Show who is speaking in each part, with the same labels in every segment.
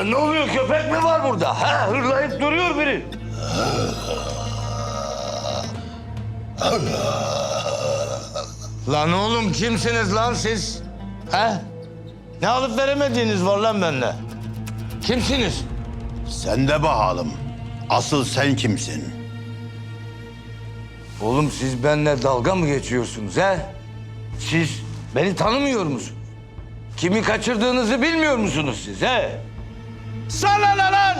Speaker 1: Lan ne oluyor? Köpek mi var burada? Ha? Hırlayıp duruyor biri. Lan oğlum kimsiniz lan siz? Ha? Ne alıp veremediğiniz var lan bende? Kimsiniz?
Speaker 2: Sen de bakalım. Asıl sen kimsin?
Speaker 1: Oğlum siz benimle dalga mı geçiyorsunuz ha? Siz beni tanımıyor musunuz? Kimi kaçırdığınızı bilmiyor musunuz siz he? Sana ne lan?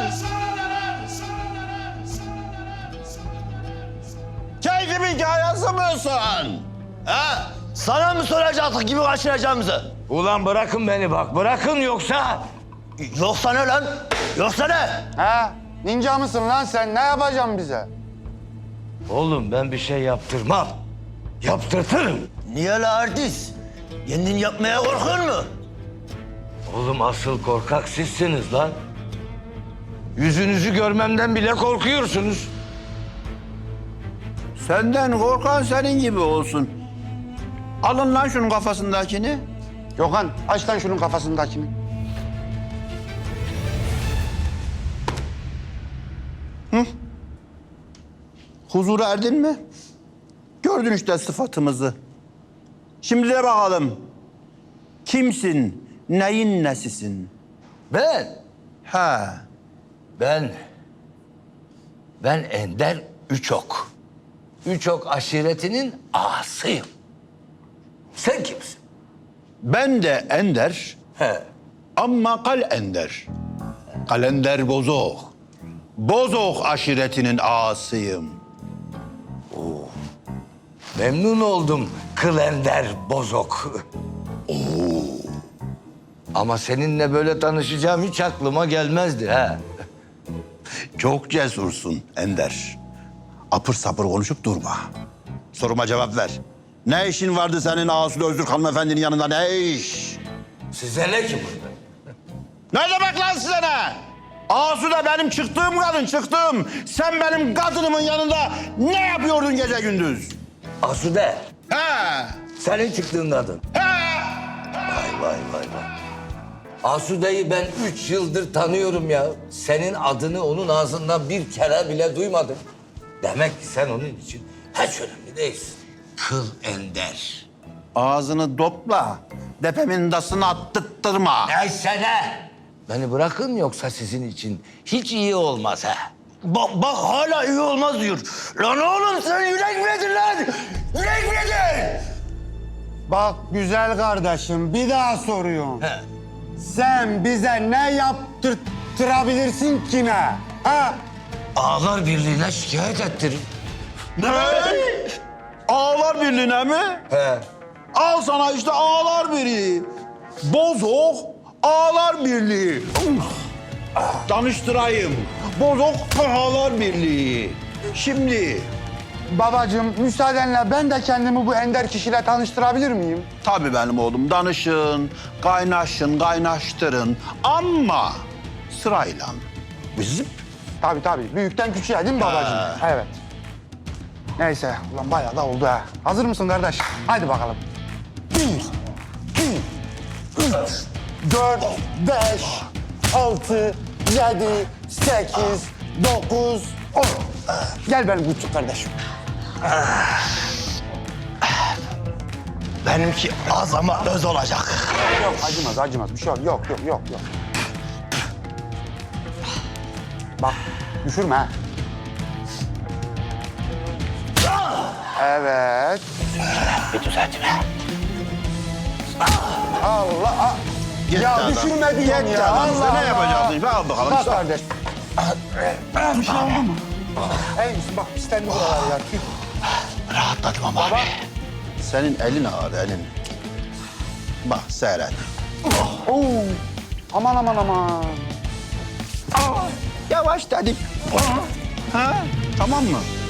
Speaker 2: Keyfimin hikayesi misin? Ha? Sana mı soracaktık gibi kaçıracağımızı?
Speaker 1: Ulan bırakın beni bak, bırakın yoksa...
Speaker 2: Yoksa ne lan? Yoksa ne?
Speaker 3: Ha? Ninja mısın lan sen? Ne yapacaksın bize?
Speaker 1: Oğlum ben bir şey yaptırmam. Yaptırtırım.
Speaker 2: Niye la artist? Kendin yapmaya korkuyor mu?
Speaker 1: Oğlum asıl korkak sizsiniz lan. Yüzünüzü görmemden bile korkuyorsunuz.
Speaker 2: Senden korkan senin gibi olsun. Alın lan şunun kafasındakini.
Speaker 3: Gökhan aç lan şunun kafasındakini.
Speaker 2: Huzura erdin mi? Gördün işte sıfatımızı. Şimdi de bakalım. Kimsin? Neyin nesisin?
Speaker 1: Ben,
Speaker 2: Ha.
Speaker 1: ben Ender Üçok. Üçok aşiretinin ağasıyım. Sen kimsin?
Speaker 2: Ben de Ender
Speaker 1: He.
Speaker 2: ama Kalender. Kalender Bozok. Bozok aşiretinin ağasıyım.
Speaker 1: Memnun oldum Klender Bozok. Ama seninle böyle tanışacağım hiç aklıma gelmezdi ha.
Speaker 2: Çok cesursun Ender. Apır sapır konuşup durma. Soruma cevap ver. Ne işin vardı senin Asude Öztürk hanımefendinin yanında, ne iş?
Speaker 1: Size ne ki burada?
Speaker 2: Ne demek lan size ne? Asude benim çıktığım kadın, çıktığım. Sen benim kadınımın yanında ne yapıyordun gece gündüz?
Speaker 1: Asude,
Speaker 2: He!
Speaker 1: senin çıktığın kadın.
Speaker 2: He!
Speaker 1: Vay. Asude'yi ben 3 yıldır tanıyorum ya. Senin adını onun ağzından bir kere bile duymadım. Demek ki sen onun için hiç önemli değilsin. Kıl Ender.
Speaker 2: Ağzını topla. Depemin dasını attırtma.
Speaker 1: Neyse ne? Beni bırakın yoksa sizin için hiç iyi olmaz ha.
Speaker 2: Bak hala iyi olmaz diyor. Lan oğlum sen yürek miydin lan? Yürek miydin?
Speaker 3: Bak güzel kardeşim bir daha soruyorum.
Speaker 1: He.
Speaker 3: Sen bize ne yaptırtırabilirsin ki ne? Ha?
Speaker 1: Ağlar Birliği'ne şikayet ettirin.
Speaker 2: Ne? Ağlar Birliği'ne mi?
Speaker 1: He.
Speaker 2: Al sana işte Ağlar Birliği. Bozok Ağlar Birliği. Tanıştırayım. Bozok Ağlar Birliği. Şimdi
Speaker 3: Babacığım müsaadenle ben de kendimi bu ender kişiyle tanıştırabilir miyim?
Speaker 2: tabii benim oğlum danışın, kaynaşın, kaynaştırın ama sırayla. Bizim
Speaker 3: Tabii. Büyükten küçüğe değil mi babacığım? Evet. Neyse ulan bayağı da oldu ha. Hazır mısın kardeş? Hadi bakalım. 1, 2, 3, 4, 5, 6, 7, 8, 9, 10. Gel benim küçük kardeşim.
Speaker 2: benimki az ama öz olacak.
Speaker 3: Yok acımaz. Bir şey yok. Yok. Bak düşürme ha. Evet.
Speaker 2: Bir düzeltme.
Speaker 3: Allah. Ya düşürme diyorum ya. Allah
Speaker 2: Ne yapacaksın? Al bakalım.
Speaker 3: Bak kardeş. Bir şey oldu mu? Ey bak pislendi buralar ya. Tüh.
Speaker 2: Rahatladım ama abi. Senin elin ağır, elin. Bak seyret.
Speaker 3: Oo. Aman.
Speaker 2: Yavaş dedim. Ha? Tamam mı?